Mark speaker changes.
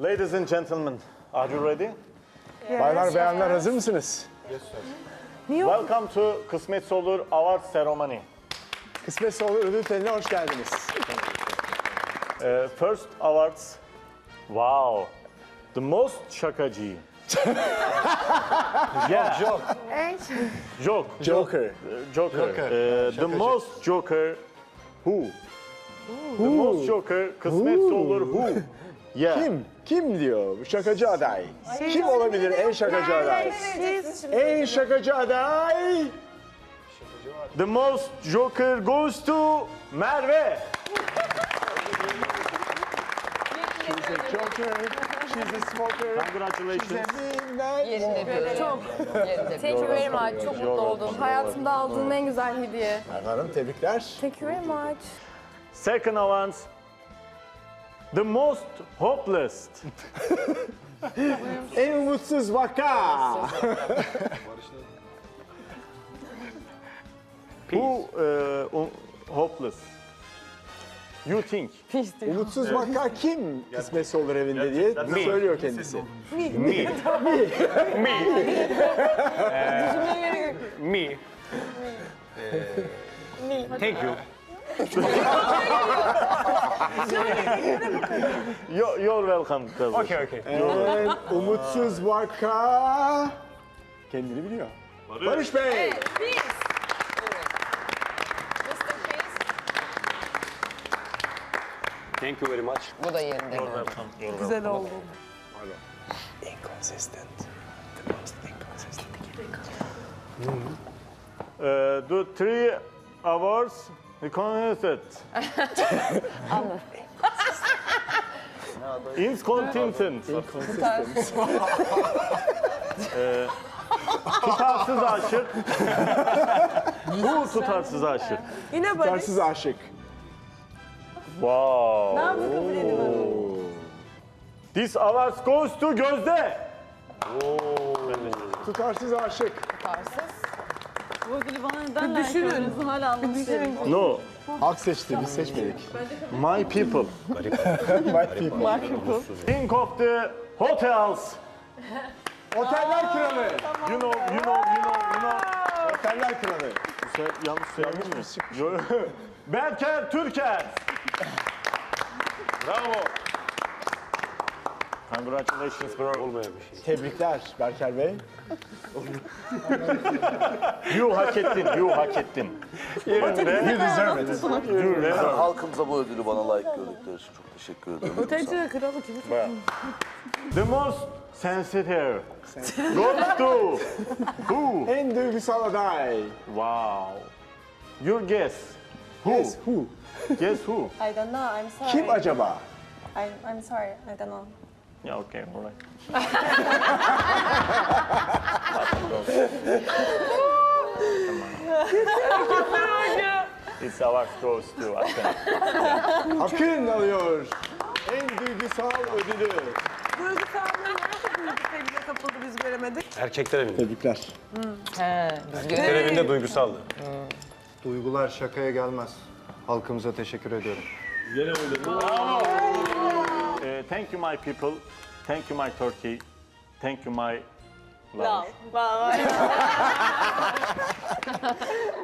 Speaker 1: Ladies and gentlemen, are you ready?
Speaker 2: Baylar beyanlar hazır mısınız?
Speaker 1: Welcome to Kısmetse Olur Award Ceremony.
Speaker 2: Kısmetse Olur ödül törenine hoş geldiniz.
Speaker 1: First awards. Wow. The most şakacı. Yeah. Joke.
Speaker 2: Joker.
Speaker 1: Joker. The most joker. Who? The most joker. Kısmetse Olur who? Yeah.
Speaker 2: Kim diyor? Bu şakacı aday. Kim olabilir en şakacı aday? En şakacı aday.
Speaker 1: The most joker goes to Merve.
Speaker 2: She's a joker. She's a smoker.
Speaker 1: Congratulations.
Speaker 3: Thank you very much. Çok mutlu oldum. Hayatımda aldığım en güzel hediye.
Speaker 2: Merve Hanım tebrikler.
Speaker 3: Thank you very much.
Speaker 1: Second award. The most hopeless.
Speaker 2: En umutsuz vaka.
Speaker 1: Who hopeless? You think?
Speaker 2: Umutsuz vaka kim kısmetse olur evinde diye söylüyor kendisi.
Speaker 1: Me. Me.
Speaker 4: Thank you.
Speaker 1: You're welcome.
Speaker 4: Okay, okay.
Speaker 2: En umutsuz vaka kendini biliyor. Barış Bey.
Speaker 4: Thank you very much.
Speaker 5: Bu da yerinde.
Speaker 3: Güzel oldu.
Speaker 2: Inconsistent. The most inconsistent.
Speaker 1: The three awards. Inconsistent. Incontinent. Tutarsız aşık. Bu tutarsız aşık.
Speaker 3: Yine Barış.
Speaker 2: Tutarsız aşık.
Speaker 1: Wow.
Speaker 3: Ne yaptı kabul edin?
Speaker 1: This award goes to Gözde.
Speaker 2: Tutarsız aşık.
Speaker 6: Bu ödülü bana neden layık gördünüz hala anlamışsınız.
Speaker 1: No.
Speaker 2: Halk seçti, biz seçmedik.
Speaker 1: My people.
Speaker 2: My people.
Speaker 1: Think of the hotels.
Speaker 2: Oteller kralı.
Speaker 1: You know.
Speaker 2: Oteller kralı.
Speaker 1: Yanlış söyledin mi? Berker Türker. Bravo. Congratulations bro.
Speaker 4: Olmayan bir şey.
Speaker 2: Tebrikler Berker Bey.
Speaker 1: You hak ettin. Yerinde.
Speaker 2: You deserve it.
Speaker 7: Halkımıza bu ödülü bana layık gördükleri için çok teşekkür ederim.
Speaker 3: Öteci kralı kimi?
Speaker 1: The most sensitive goes to who?
Speaker 2: En duygusal aday.
Speaker 1: Wow. Your guess. Who?
Speaker 2: Yes, who?
Speaker 1: Guess who?
Speaker 6: I don't know, I'm sorry.
Speaker 2: Kim acaba?
Speaker 6: I'm sorry, I don't know.
Speaker 1: Yeah, okay, all right. It's our goes to Akden.
Speaker 2: Akın alıyor. En duygusal ödülü.
Speaker 3: Duygusallığı nasıl büyüdü sevgiye kapıldı biz göremedik.
Speaker 4: Erkekler evinde.
Speaker 2: Tebrikler.
Speaker 4: Erkekler evinde duygusaldı.
Speaker 8: Duygular şakaya gelmez. Halkımıza teşekkür ediyorum.
Speaker 1: Thank you my people. Thank you my Turkey. Thank you my love.
Speaker 3: Bye.